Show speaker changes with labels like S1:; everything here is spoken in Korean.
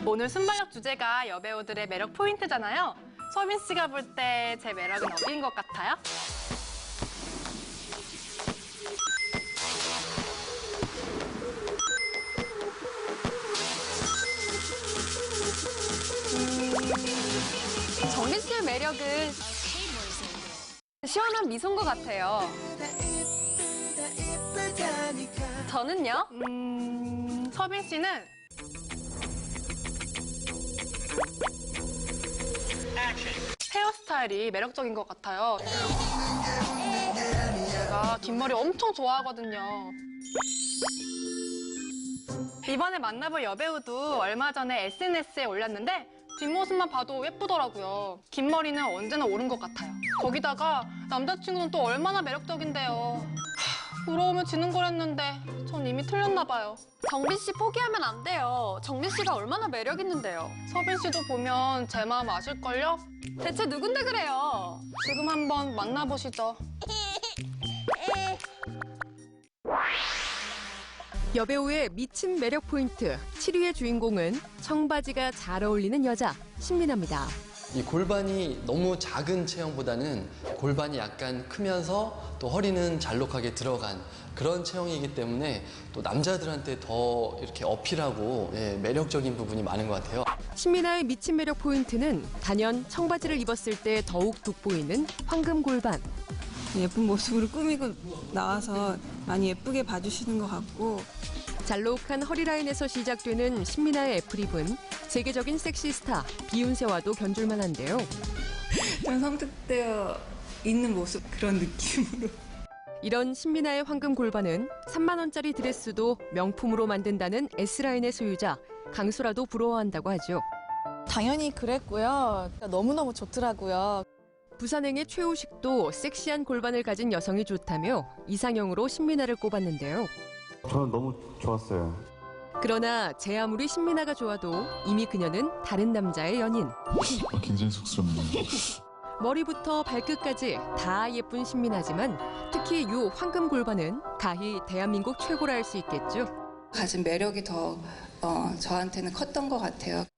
S1: 오늘 순발력 주제가 여배우들의 매력 포인트잖아요. 서빈 씨가 볼 때 제 매력은 어디인 것 같아요?
S2: 정민 씨의 매력은 시원한 미소인 것 같아요. 저는요?
S1: 서빈 씨는 헤어스타일이 매력적인 것 같아요. 제가 긴 머리 엄청 좋아하거든요. 이번에 만나볼 여배우도 얼마 전에 SNS에 올렸는데 뒷모습만 봐도 예쁘더라고요. 긴 머리는 언제나 옳은 것 같아요. 거기다가 남자친구는 또 얼마나 매력적인데요. 부러우면 지는 거랬는데 전 이미 틀렸나 봐요.
S2: 정민 씨 포기하면 안 돼요. 정민 씨가 얼마나 매력 있는데요.
S1: 서빈 씨도 보면 제 마음 아실걸요?
S2: 대체 누군데 그래요?
S1: 지금 한번 만나보시죠.
S3: 여배우의 미친 매력 포인트 7위의 주인공은 청바지가 잘 어울리는 여자 신민아입니다.
S4: 이 골반이 너무 작은 체형보다는 골반이 약간 크면서 또 허리는 잘록하게 들어간 그런 체형이기 때문에 또 남자들한테 더 이렇게 어필하고 매력적인 부분이 많은 것 같아요.
S3: 신민아의 미친 매력 포인트는 단연 청바지를 입었을 때 더욱 돋보이는 황금 골반.
S5: 예쁜 모습으로 꾸미고 나와서 많이 예쁘게 봐주시는 것 같고
S3: 잘록한 허리라인에서 시작되는 신민아의 애프립은 세계적인 섹시 스타 비욘세와도 견줄만한데요.
S5: 좀 성숙되어 있는 모습 그런 느낌으로.
S3: 이런 신민아의 황금 골반은 3만 원짜리 드레스도 명품으로 만든다는 S라인의 소유자 강소라도 부러워한다고 하죠.
S6: 당연히 그랬고요. 너무너무 좋더라고요.
S3: 부산행의 최우식도 섹시한 골반을 가진 여성이 좋다며 이상형으로 신민아를 꼽았는데요.
S7: 저는 너무 좋았어요.
S3: 그러나 제 아무리 신민아가 좋아도 이미 그녀는 다른 남자의 연인.
S7: 굉장히 쑥스럽네요.
S3: 머리부터 발끝까지 다 예쁜 신민아지만 특히 요 황금 골반은 가히 대한민국 최고라 할 수 있겠죠.
S8: 가진 매력이 더 저한테는 컸던 것 같아요.